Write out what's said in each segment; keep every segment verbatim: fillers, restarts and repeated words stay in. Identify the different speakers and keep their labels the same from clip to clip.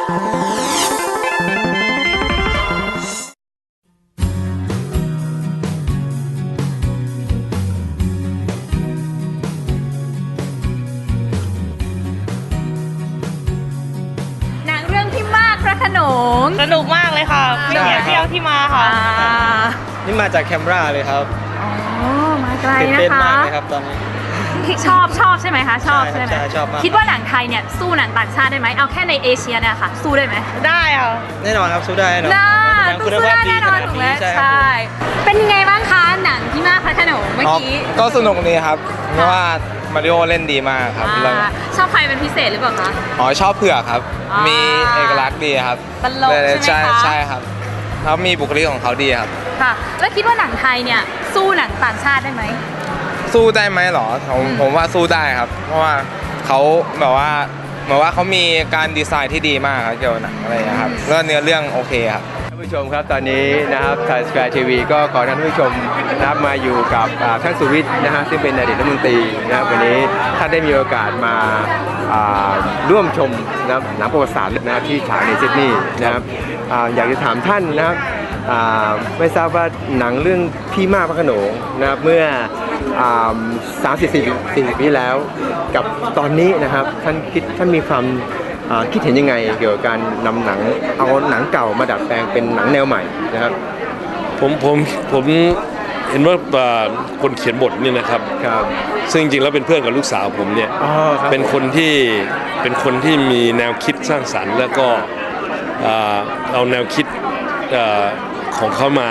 Speaker 1: ขนม
Speaker 2: สนุกมากเลยค่ะไม่เสียเที่ยวที่มาค่ะ
Speaker 3: นี่มาจากแคมบราเลยครับ
Speaker 1: อ๋อมาไกลนะคะ
Speaker 3: ตื่นเต้นมากเลยครับตอนนี้
Speaker 1: ชอบชอบใช่ไหมคะชอบใช่ไหม
Speaker 3: ชอบมาก
Speaker 1: คิดว่าหนังไทยเนี่ยสู้หนังต่างชาติได้ไหมเอาแค่ในเอเชียเนี่ยค่ะสู้ได้ไหม
Speaker 2: ได้ค่ะ
Speaker 3: แน่นอนครับสู้ได้แน่นอน
Speaker 1: น่าสู้ได้แน่นอนถูกไหมใช่เป็นยังไงบ้างคะหนังที่มาพระโขนงเมื่อกี้
Speaker 4: ก็สนุกดีครับเพราะว่ามาริโอเล่นดีมากครับ
Speaker 1: ชอบใครเป็นพิเศษหรือเปล่าคะ
Speaker 4: อ๋อชอบเผือกครับมีเอกลักษณ์ดีครับ
Speaker 1: ตลกใช่ไหมคะ
Speaker 4: ใช่ครับเขามีบุคลิกของเขาดีครับ
Speaker 1: ค่ะแล้วคิดว่าหนังไทยเนี่ยสู้หนังต่างชาติได้ไหม
Speaker 4: สู้ได้ไหมหรอผมผมว่าสู้ได้ครับเพราะว่าเขาแบบว่าเหมือนว่าเขามีการดีไซน์ที่ดีมากครับเกี่ยวกับหนังอะไรนะครับแล้วเนื้อเรื่องโอเคครับ
Speaker 5: ท่านผู้ชมครับตอนนี้นะครับไทยสแควร์ทีวีก็ขอท่านผู้ชมนะครับมาอยู่กับท่านสุวิทย์นะฮะซึ่งเป็นอดีตรัฐมนตรีนะครับวันนี้ท่านได้มีโอกาสมาร่วมชมนะครับหนังประวัติศาสตร์นะครับที่ฉายในซิดนีย์นะครับอยากจะถามท่านนะครับไม่ทราบว่าหนังเรื่องพี่มากพระโขนงนะครับเมื่อสามสิบสี่สิบปีแล้วกับตอนนี้นะครับท่านคิดท่านมีความคิดเห็นยังไงเกี่ยวกับการนำหนังเอาหนังเก่ามาดัดแปลงเป็นหนังแนวใหม่นะครับ
Speaker 6: ผมผมผมเห็นว่าคนเขียนบทนี่นะครับซึ่งจริงๆแล้วเป็นเพื่อนกับลูกสาวผมเนี่ยเป็นคนที่เป็นคนที่มีแนวคิดสร้างสรรค์แล้วก็เอาแนวคิดของเขามา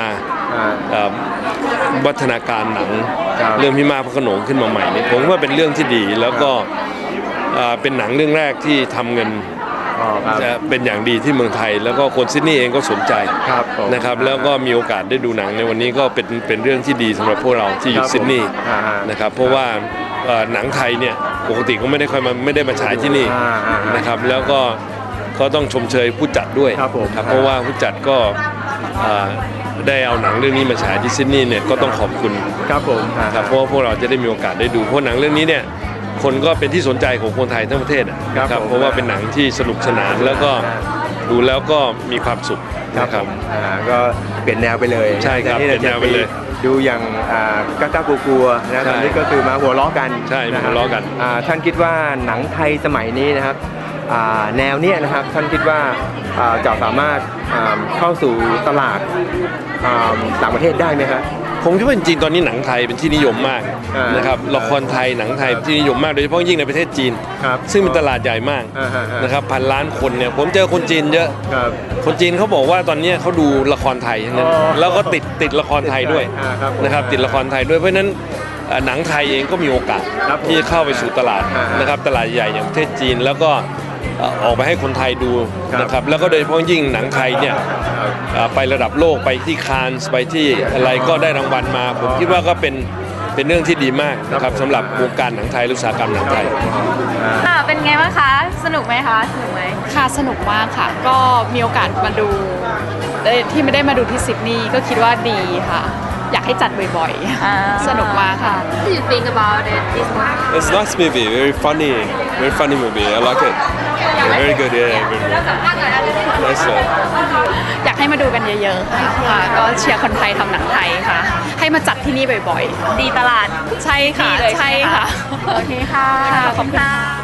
Speaker 6: วัฒนาการหนังเรื่องพี่มากพระโขนงขึ้นมาใหม่เนี่ยผมว่าเป็นเรื่องที่ดีแล้วก็เป็นหนังเรื่องแรกที่ทำเงินจะเป็นอย่างดีที่เมืองไทยแล้วก็คนซิดนีย์เองก็สนใจนะครับแล้วก็มีโอกาสได้ดูหนังในวันนี้ก็เป็นเป็นเรื่องที่ดีสำหรับพวกเราที่อยู่ซิดนีย์นะครับเพราะว่าหนังไทยเนี่ยปกติก็ไม่ได้ค่อยมาไม่ได้มาฉายที่นี่นะครับแล้วก็ก็ต้องชมเชยผู้จัดด้วยครับเพราะว่าผู้จัดก็ได้เอาหนังเรื่องนี้มาฉายที่ซิดนีย์เนี่ยก็ต้องขอบคุณ
Speaker 5: ครับผม
Speaker 6: ครับเพราะว่าพวกเราจะได้มีโอกาสได้ดูเพราะหนังเรื่องนี้เนี่ยคนก็เป็นที่สนใจของคนไทยทั้งประเทศนะครับเพราะว่าเป็นหนังที่สนุกสนานแล้วก็ดูแล้วก็มีความสุข
Speaker 5: นะครับก็เปลี่ยนแนวไปเลย
Speaker 6: ใช่ครับเปลี่ยนแนวไปเลย
Speaker 5: ดูอย่างก้ากากลัวๆนะตอนนี้ก็คือมาหัวล้อกัน
Speaker 6: ใช่หัวล้อกัน
Speaker 5: ท่านคิดว่าหนังไทยสมัยนี้นะครับแนวเนี้ยนะครับท่านคิดว่าจะสามารถเข้าสู่ตลาดต่างประเทศได้ไหมครับ
Speaker 6: ผมคิดว่าจริงๆตอนนี้หนังไทยเป็นที่นิยมมากนะครับละครไทยหนังไทยที่นิยมมากโดยเฉพาะยิ่งในประเทศจีนซึ่งเป็นตลาดใหญ่มากนะครับพันล้านคนเนี่ยผมเจอคนจีนเยอะคนจีนเขาบอกว่าตอนนี้เขาดูละครไทยนั้นแล้วก็ติดติดละครไทยด้วยนะครับติดละครไทยด้วยเพราะฉะนั้นหนังไทยเองก็มีโอกาสที่จะเข้าไปสู่ตลาดนะครับตลาดใหญ่อย่างประเทศจีนแล้วก็ออกไปให้คนไทยดูนะครับแล้วก็โดยเฉพาะยิ่งหนังไทยเนี่ยไประดับโลกไปที่คานส์ไปที่อะไรก็ได้รางวัลมาผมคิดว่าก็เป็นเป็นเรื่องที่ดีมากนะครับสำหรับวงการหนังไทยอุตสาหกรรมหนังไทย
Speaker 1: เป็นไงบ้างคะสนุกไหมคะสนุกไหม
Speaker 2: ค่ะสนุกมากค่ะก็มีโอกาสมาดูที่ไม่ได้มาดูที่ซิดนีย์ก็คิดว่าดีค่ะอยากให้จัดบ่อยๆสนุกมากค่ะ
Speaker 1: What do you think about it this one
Speaker 7: It's a nice movie very funny very funny movie I like it very good yeah nice
Speaker 2: อยากให้มาดูกันเยอะๆค่ะก็เชียร์คนไทยทำหนังไทยค่ะให้มาจัดที่นี่บ่อย
Speaker 1: ๆดีตลาด
Speaker 2: ใช่ค่ะใช่ค่ะ
Speaker 1: โอเคค่ะขอบคุณค่ะ